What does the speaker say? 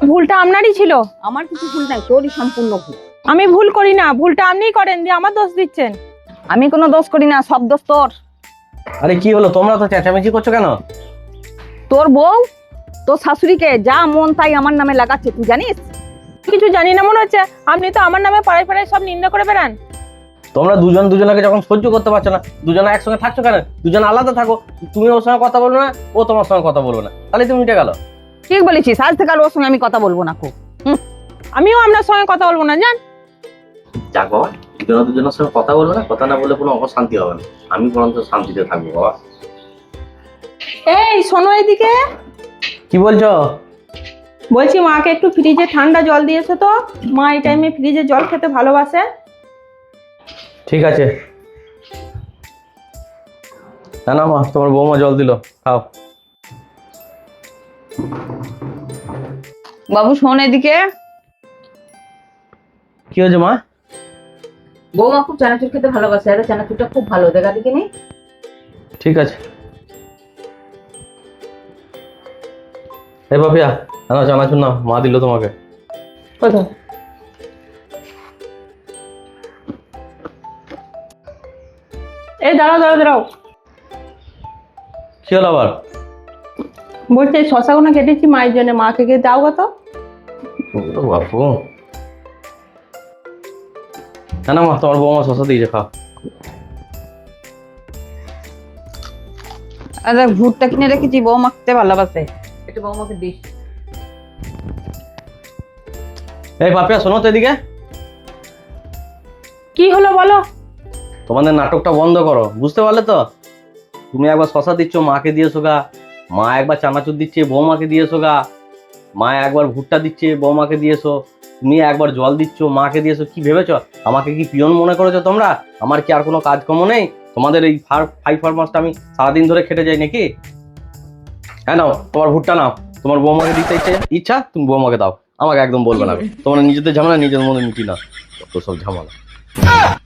ভুলটা আপনারই ছিল। আমার কিছু ভুল নাই, তোরই সম্পূর্ণ ভুল। আমি ভুল করি না, ভুলটা আপনিই করেন দিয়ে আমার দোষ দিচ্ছেন। আমি কোনো দোষ করি না, সব দোষ তোর। আরে কি হলো, তোমরা তো চেঁচামেচি করছো কেন? তোর বউ তোর শাশুড়িকে যা মন তাই আমার নামে লাগাচ্ছে, তুই জানিস? কিছু জানি না মনে হচ্ছে। আপনি তো আমার নামে পাড়ায় পাড়ায় সব নিন্দা করে বেড়ান। তোমরা দুজন দুজনকে যখন সহ্য করতে পারছো না, দুজনে একসঙ্গে থাকছো কেন? দুজন আলাদা থাকো, তুমি ওর সঙ্গে কথা বলবে না, ও তোমার সঙ্গে কথা বলবে না, তাহলে তুমি মিটে গেল। ঠিক বলেছিস, আজ থেকে আর ওর সঙ্গে আমি কথা বলবো না। খুব আমিও আপনার সঙ্গে কথা বলবো না, জান। যাক বাবা, দুজনের সঙ্গে কথা বলবে না, কথা না বললে কোনো অশান্তি হবে না। আমি বরঞ্চ শান্তিতে থাকবো বাবা। এই শোনো এদিকে। কি বলছো? বলছি মাকে একটু ফ্রিজে ঠান্ডা জল দিয়েছো তো। মা এই টাইমে ফ্রিজে জল খেতে ভালোবাসে। ঠিক আছে। না না মা, তোমার বৌমা জল দিল, খাও। বাবু শোন এদিকে। কি হয়েছে মা? বৌমা খুব চানাচুর খেতে ভালোবাসে, আর চানাচুরটা খুব ভালো, দেখা দিকে নেই। ঠিক আছে। এই বাপিয়া, না জানাচ্ছ না, মা দিল তোমাকে। কোথায়? এই দাঁড়াও দাঁড়াও দাঁড়াও। কি হলো আবার? বলছে এই শশাগুলো কেটেছি মায়ের জন্য, মাকে গিয়ে দাও কত। ও বাপু, না না মা, তোমার বৌমা শশা দিয়েছে, খাও। আর দেখ, ভুট্টা কিনে রেখেছি, বৌমা খেতে ভালোবাসে, এটা বৌমাকে দিস। এই বাপিয়া, শোনো তো এদিকে। কি হলো বলো। তোমাদের নাটকটা বন্ধ করো, বুঝতে পারলে তো? তুমি একবার শশা দিচ্ছ, মাকে দিয়েছো গা। মা একবার চানাচুর দিচ্ছে, বৌমাকে দিয়েছো গা। মা একবার ভুট্টা দিচ্ছে, বৌমাকে দিয়েছো। তুমি একবার জল দিচ্ছ, মাকে দিয়েছো। কি ভেবেছো আমাকে কি পিয়ন মনে করেছো তোমরা? আমার কি আর কোনো কাজকর্ম নেই? তোমাদের এই ফাইভ ফরমাসটা আমি সারাদিন ধরে খেটে যাই নাকি? হ্যাঁ নাও, তোমার ভুট্টা নাও। তোমার বৌমাকে দিতে ইচ্ছা তুমি বৌমাকে দাও, আমাকে একদম বলবে না। তোমরা নিজেদের ঝামেলা নিজেদের মধ্যে মিটি না, তো সব ঝামেলা।